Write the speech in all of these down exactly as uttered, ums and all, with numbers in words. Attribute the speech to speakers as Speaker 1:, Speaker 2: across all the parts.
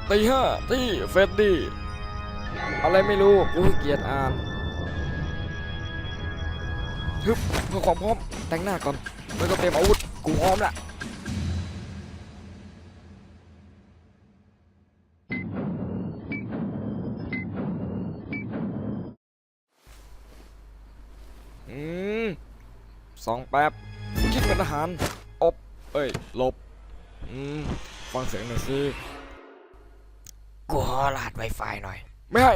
Speaker 1: ตีห้าที่เฟดดี้อะไรไม่รู้กูเกลียดอ่านฮึบเพื่อความพร้อมแต่งหน้าก่อนแล้วก็เตรียมอาวุธกูพร้อมละอืมสองแป๊บคิดเป็นทหารอบเอ้ยหลบอืมฟังเสียงหน่อยสิ
Speaker 2: กูขอรหัส Wi-Fi หน่อย
Speaker 1: ไม่ให้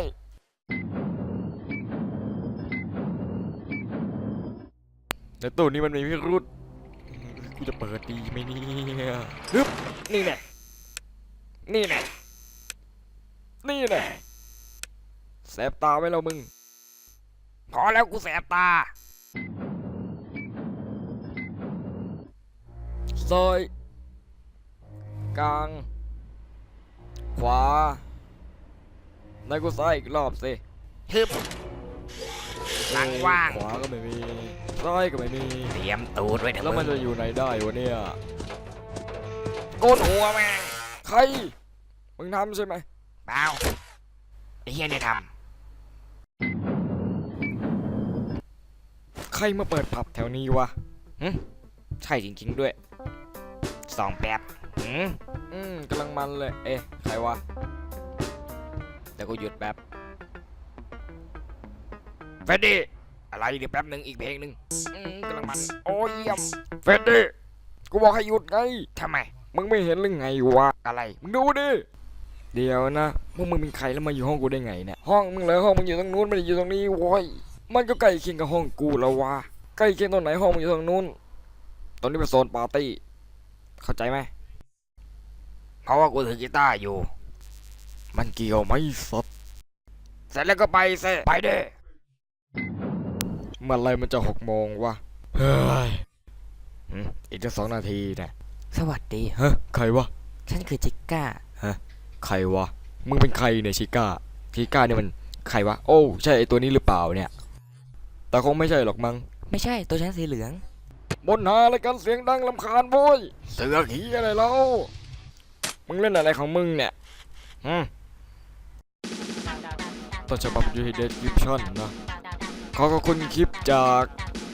Speaker 1: ในตู้นี้มันมีพิรุษกูจะเปิดดีไหมเนี่ยฮึบนี่แน่นี่แน่นี่แน่แสบตาไว้แล้วมึง
Speaker 2: พอแล้วกูแสบตา
Speaker 1: ซ้ายกลางขวาในกูซ้ายอีกรอบสิ
Speaker 2: ฮึบหลังว่าง
Speaker 1: ขวาก็ไม่มีซ้ายก็ไม่มี
Speaker 2: เตรียมตูดไว้เถอะ
Speaker 1: แล้วมันจะอยู่ไหนได้วะเนี่ย
Speaker 2: โกนหัวแม่ง
Speaker 1: ใครมึงทำใช่ไหม
Speaker 2: เปล่าไอ้เฮียเนี่ยท
Speaker 1: ใครมาเปิดผับแถวนี้วะ
Speaker 2: ำหึใช่จริงๆด้วยสองแป๊บหืม
Speaker 1: อืมกำลังมันเลยเอ๊ะใครวะเดี๋ยวกูหยุดแป๊บ
Speaker 2: เฟดดี้อะไรเดี๋ยวแป๊บหนึ่งอีกเพลงหนึ่งอืมกำลังมันโอ้ยเยี่ยม
Speaker 1: เฟดดี้กูบอกให้หยุดไง
Speaker 2: ทำไม
Speaker 1: มึงไม่เห็นหรือไงวะ
Speaker 2: อะไร
Speaker 1: มึงดูดิเดี๋ยวนะพวกมึงเป็นใครแล้วมาอยู่ห้องกูได้ไงเนี่ยห้องมึงเลยห้องมึงอยู่ตรงนู้นไม่ได้อยู่ตรงนี้โว้ยมันก็ใกล้เคียงกับห้องกูแล้ววะใกล้เคียงตรงไหนห้องมึงอยู่ตรงนู้นตรงนี้เป็นโซนปาร์ตี้เข้าใจไหม
Speaker 2: เพราะว่ากูถือกีตาร์อยู่
Speaker 1: มันเกี่ยวไหมสัตว์
Speaker 2: เสร็จแล้วก็ไปเซไปเด้
Speaker 1: เมื่อไรมันจะหกโมงวะเฮ้ยอืมอีกจะสองนาทีนะ
Speaker 2: สวัสดี
Speaker 1: ฮะใครวะ
Speaker 2: ฉันคือจิก้า
Speaker 1: ฮะใครวะมึงเป็นใครเนี่ยชิก้าชิก้าเนี่ยมันใครวะโอ้ใช่ไอตัวนี้หรือเปล่าเนี่ยแต่คงไม่ใช่หรอกมั้ง
Speaker 2: ไม่ใช่ตัวฉันสีเหลือง
Speaker 1: บนหาอะไรกันเสียงดังลำคาญโว้ยเสือขี้อะไรแล้วมึงเล่นอะไรของมึงเนี่ยอืมต้นฉบับยูฮิเดสคริปชั่นนะขอขอบคุณคลิปจาก